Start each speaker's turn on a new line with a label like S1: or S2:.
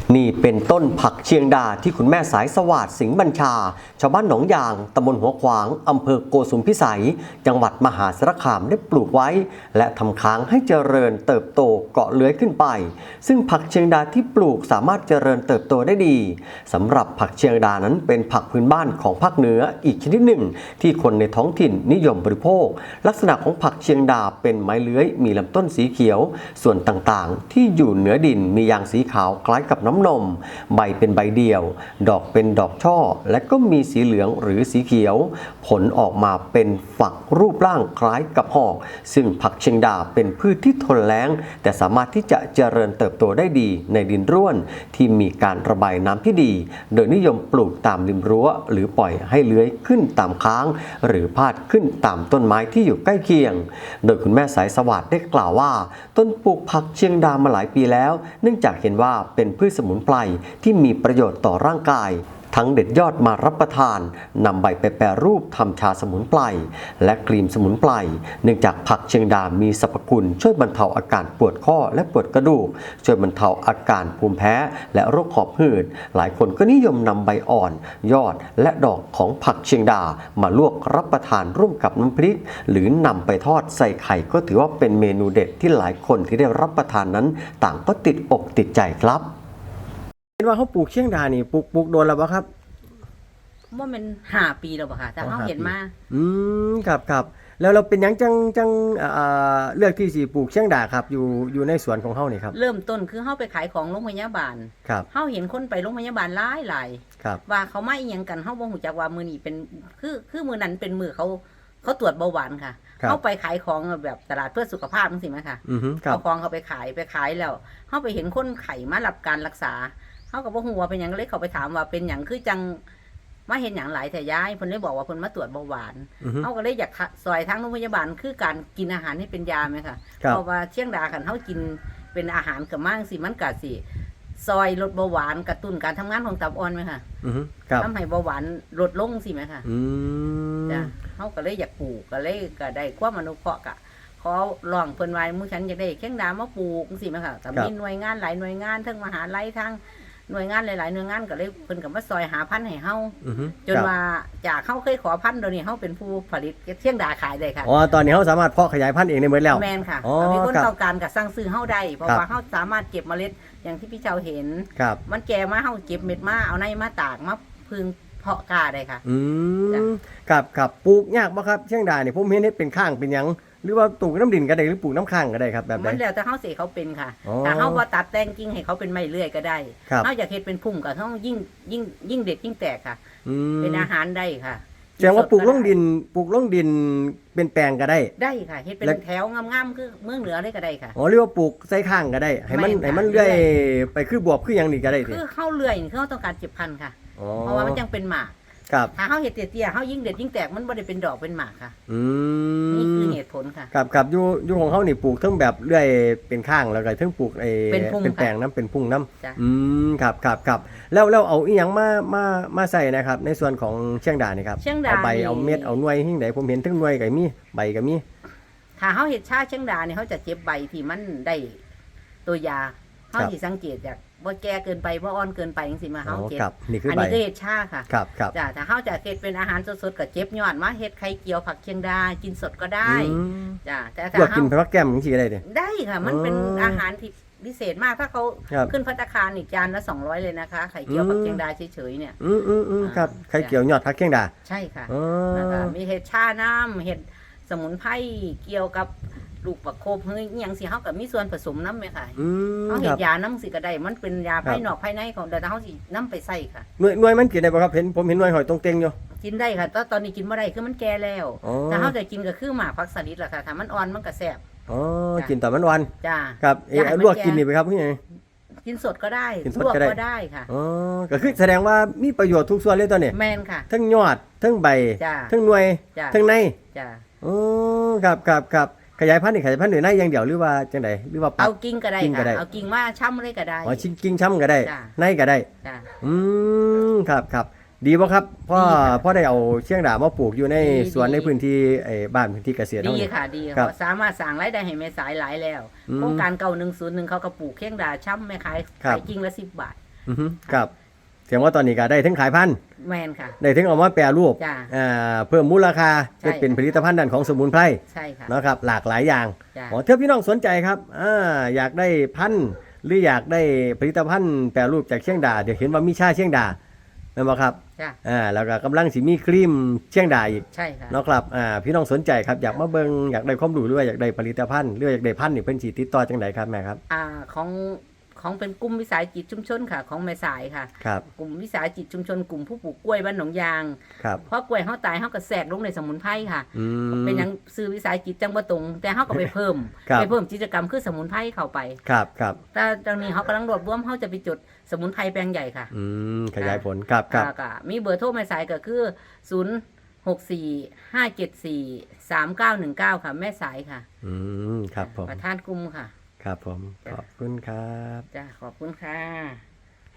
S1: นี่เป็นต้นผักเชียงดาที่คุณแม่สายสวัสดิ์สิงห์บัญชาชาวบ้านหนองยางตำบลหัวขวางอำเภอโกสุมพิสัยจังหวัดมหาสารคามได้ปลูกไว้และทำค้างให้เจริญเติบโตเกาะเลื้อยขึ้นไปซึ่งผักเชียงดาที่ปลูกสามารถเจริญเติบโตได้ดีสำหรับผักเชียงดานั้นเป็นผักพื้นบ้านของภาคเหนืออีกชนิดหนึ่งที่คนในท้องถิ่นนิยมบริโภคลักษณะของผักเชียงดาเป็นไม้เลื้อยมีลำต้นสีเขียวส่วนต่างๆที่อยู่เหนือดินมียางสีขาวคล้ายกับน้ำนมใบเป็นใบเดียวดอกเป็นดอกช่อและก็มีสีเหลืองหรือสีเขียวผลออกมาเป็นฝักรูปร่างคล้ายกับหอกซึ่งผักเชียงดาเป็นพืชที่ทนแล้งแต่สามารถที่จะเจริญเติบโตได้ดีในดินร่วนที่มีการระบายน้ำที่ดีโดยนิยมปลูกตามริมรั้วหรือปล่อยให้เลื้อยขึ้นตามค้างหรือพาดขึ้นตามต้นไม้ที่อยู่ใกล้เคียงโดยคุณแม่สายสวัสดิ์ได้กล่าวว่าต้นปลูกผักเชียงดามาหลายปีแล้วเนื่องจากเห็นว่าเป็นพืชสมุนไพรที่มีประโยชน์ต่อร่างกายทั้งเด็ดยอดมารับประทานนำใบไปแปรรูปทำชาสมุนไพรและครีมสมุนไพรเนื่องจากผักเชียงดามีสรรพคุณช่วยบรรเทาอาการปวดข้อและปวดกระดูกช่วยบรรเทาอาการภูมิแพ้และโรคหอบหืดหลายคนก็นิยมนำใบอ่อนยอดและดอกของผักเชียงดามาลวกรับประทานร่วมกับน้ำพริกหรือนำไปทอดใส่ไข่ก็ถือว่าเป็นเมนูเด็ดที่หลายคนที่ได้รับประทานนั้นต่างก็ติดอกติดใจครับเห็นว่าเขาปลูกเชียงดานี่ปลูกโดนแล้วป่ะครับ
S2: ว่ามัน5 ปีแล้วป่ะค่ะแต่เขาเห็นมา
S1: ครับแล้วเราเป็นยังจังเลือกที่สิปลูกเชียงดาครับอยู่ในสวนของเขานี่ครับ
S2: เริ่มต้นคือเขาไปขายของโรงพยาบาล
S1: ครับ
S2: เขาเห็นคนไปโรงพยาบาลหลาย
S1: ครับ
S2: ว่าเขาไม่อีหยังกันเขาบ่ฮู้จักว่ามื้อนี้เป็นคือมื้อนั้นเป็นมื้อเขาตรวจเบาหวานค่ะเขาไปขายของแบบตลาดเพื่อสุขภาพจังซี่มั้ยค่ะเอาของเขาไปขายแล้วเขาไปเห็นคนไข้มารับการรักษาเขาก็บ่ฮู้ว่าเป็นหยังเลยเขาไปถามว่าเป็นหยังคือจังมาเห็นอย่างหลายแต่ย้ายเพิ่นเลยบอกว่าเพิ่นมาตรวจเบาหวานเขาก็เลยอยากซอยทางโรงพยาบาลคือการกินอาหารให้เป็นยาไหมค่ะเพราะว่าเชียงดาคันเขากินเป็นอาหารกับมั่งสิมันกะสิซอยลดเบาหวานกระตุ้นการทำงานของตับอ่อนไหมค่ะทำให้เบาหวานลดลงสิไหมค่ะจ้ะเขาก็เลยอยากปลูกก็เลยก็ได้ความอนุเคราะห์กะขอร้องเพิ่นไว้มู่ฉันอยากได้เชียงดามาปลูกสิไหมค่ะแต่มีหน่วยงานหลายหน่วยงานทั้งมหาลัยทั้งหน่วยงานหลายๆหน่วยงานก็เลยเพิ่นก็มาซอยหาพันธุ์ให้เฮาจนว่าจากเฮาเคยขอพันธุ์เดี๋ยวนี้เฮาเป็นผู้ผลิตเชียงดาขายได้ค่ะ
S1: อ๋อตอนนี้เฮาสามารถเพาะขยายพันธุ์เองได้หมดแล้ว
S2: แม่นค่ะมีคนต้องการก็สั่งซื้อเฮาได้เพราะว่าเฮาสามารถเก็บเมล็ดอย่างที่พี่เจ้าเห็นมันแก่มาเฮาเก็บเม็ดมาเอาในมาตากมาพึ่งเพาะกาได้ค่ะ
S1: ครับปลูกยากบ่ครับเชียงดานี่ผมเห็นเฮ็ดเป็นข้างเป็นหยังหรือว่าปลูกน้ำดินก็ได้หรือปลูกน้ำข้างก็ได้ครับแบบไหน
S2: มันแล้วแต่เฮาสิเขาเป็นค่ะถ้าเฮาบ่ตัดแต่งกิ่งให้เขาเป็นไม้เลื่อยก็ได้เฮาอยากเฮ็ดเป็นพุ่มก็เฮายิ่งเด็ดยิ่งแตกค่ะเป็นอาหารได้ค่ะ
S1: แสดงว่าปลูกลงดินเป็นแปลงก็ได้
S2: ค่ะเฮ็ดเป็นแถวงามๆคือเมืองเหนือเลยก็ได้ค่ะ
S1: อ๋อเรียกว่าปลูกใส่ข้างก็ได้ให้มันเลื่อยไปคือบวบคือหยังนี่ก็ได้
S2: คือเฮาเลื่อยคือเฮาต้องการเก็บพันธุ์ค่ะเพราะว่ามันยังเป็นหมากถ้าเฮาเฮ็ดเตี้ยๆเฮายิ่งเด็ดยิ่งแตกมันบ่ได้เป็นดอกเป็นหมากค่ะนี่คือเหตุผลค่ะ
S1: ครับอยู่ของเฮานี่ปลูกทั้งแบบเลื่อยเป็นข้างแล้วก็ทั้งปลูกเป็นแปลงน้ำเป็นพุ่งน้ำครับแล้วเอาอีหยังมาใส่นะครับในส่วนของเชียงดานี่ครับเอาใบเอาเม็ดเอาหน่วยหิ้งใดผมเห็นทั้งหน่วยก็มีใบก็มี
S2: ถ้าเฮาเฮ็ดชาเชียงดานี่เฮาจะเก็บใบที่มันได้ตัวยาเฮาสิสังเกตจากบ่แก่เกินไปบ่อ่อนเกินไปจังซี่มาเฮาเก็บอันนี้คือเฮ็ดชาค่ะจ้ะถ้าเฮาจะเฮ็ดเป็นอาหารสดๆก็เจ็บยอดมาเฮ็ดไข่เจียวผักเชียงดากินสดก็ได้จ้ะแต่ถ้า
S1: เฮากินผักแก้มจังซี่ก็ได้
S2: ได้ค่ะมันเป็นอาหารที่พิเศษมากถ้าเขาขึ้นภัตตาคารอีกจานละ200เลยนะคะไข่เจียวผักเชียงดาเฉยๆเนี่ย
S1: ครับไข่เจียวยอดผักเชียงดา
S2: ใช่ค่ะแล้วก็มีเห็ดชาน้ำเห็ดสมุนไพรเกี่ยวกับลูกประโคบเฮ้ยอย่างสิเฮากับมีส่วนผสมน้ำไหมค่ะเขาเห็ดยาน้ำสิก็ได้มันเป็นยาภายนอกภายในของแต่เขาสิน้ำไปใส่ค่ะ
S1: หน่วยมันกินได้ป่ะครับผมเห็นหน่วยหอยตรงเต็งอยู่
S2: กินได้ค่ะตอนนี้กินไม่ได้คือมันแก่แล้วแต่เขาจะกินก็คือหมากผักสลิดแหละค่ะถ้ามันอ่อนมันก็แซ่บ
S1: กินแต่มันวัน
S2: จ้า
S1: ครับลวกกินนี่ไปครับพี่ไง
S2: กินสดก็ได้ลวกก็ได้ค่ะ
S1: ก็คือแสดงว่ามีประโยชน์ทุกส่วนเลยตอนนี้
S2: แม่นค่ะ
S1: ทั้งยอดทั้งใบทั้งหน่วยทั้งในครับขยายพันธุ์นี่ขยายพันธุ์หน่วยในอย่างเดียวหรือว่าจังไดหรือว่า
S2: เอากิ่งก็ได้ค่ะเอากิ่งมาช้ำเลยก็ได้
S1: กิ่งช้ำก็ได้ในก็ได้ครับดีป่ะครับพ่อได้เอาเชียงดามาปลูกอยู่ในสวนในพื้นที่บ้านพื้นที่เกษตร
S2: ดีค่ะดีค่ะสามารถสร้างรายได้ให้แม่สายหลายแล้วโครงการเก่า101เขาก็ปลูกเชียงดาช้ำแม่ขายกิ่งละ10 บาท
S1: ครับเสียงว่าตอนนี้ก็ได้ทั้งขายพันธุ์
S2: แมนค่ะ
S1: ได้ทั้งเอามาแปรรูป
S2: จ้ะ
S1: เพิ่มมูลค่า
S2: ใช่
S1: เป็นผลิตภัณฑ์ด้านของสมุนไพร
S2: ใช่ค่ะ
S1: นะครับหลากหลายอย่าง
S2: จ้ะ
S1: ถ้าพี่น้องสนใจครับอยากได้พันธุ์หรืออยากได้ผลิตภัณฑ์แปรรูปจากเชียงดาเดี๋ยวเห็นว่ามีชาเชียงดาแม่นบ่ครับ
S2: จ้ะ
S1: แล้วก็กำลังสิมีครีมเชียงดาอีก
S2: ใช่ค่ะ
S1: เนาะครับพี่น้องสนใจครับอยากมาเบิ่งอยากได้ความรู้หรือว่าอยากได้ผลิตภัณฑ์หรือว่าอยากได้พันธุ์นี่เพิ่นสิติดต่อจังไดครับแม่ครับ
S2: ของเป็นกลุ่มวิสาหกิจชุมชนค่ะ ของแม่สายค่ะ
S1: ครับ
S2: กลุ่มวิสาหกิจชุมชนกลุ่มผู้ปลูกกล้วยบ้านหนองยาง
S1: ครับ
S2: เพราะกล้วยเฮาตายเฮาก็แทรกลงในสมุนไพรค่ะ
S1: อืม
S2: เป็นหยังซื้อวิสาหกิจจังบ่ตรง แต่เฮาก็ไปเพิ่ม
S1: ครับ
S2: ไปเพิ่มกิจกรรมคือสมุนไพรเข้าไป
S1: ครับครับ
S2: แต่ตอนนี้เฮากำลังรวบรวมเฮาจะไปจดสมุนไพรแปลงใหญ่ค่ะ
S1: ขยายผลครับครับ
S2: ก็มีเบอร์โทรแม่สายก็คือ0645743919ค่ะแม่สายค่ะ
S1: ครับผม
S2: ประธานกลุ่มค่ะ
S1: ครับผมขอบคุณครับ
S2: จ้ะขอบคุณค่ะ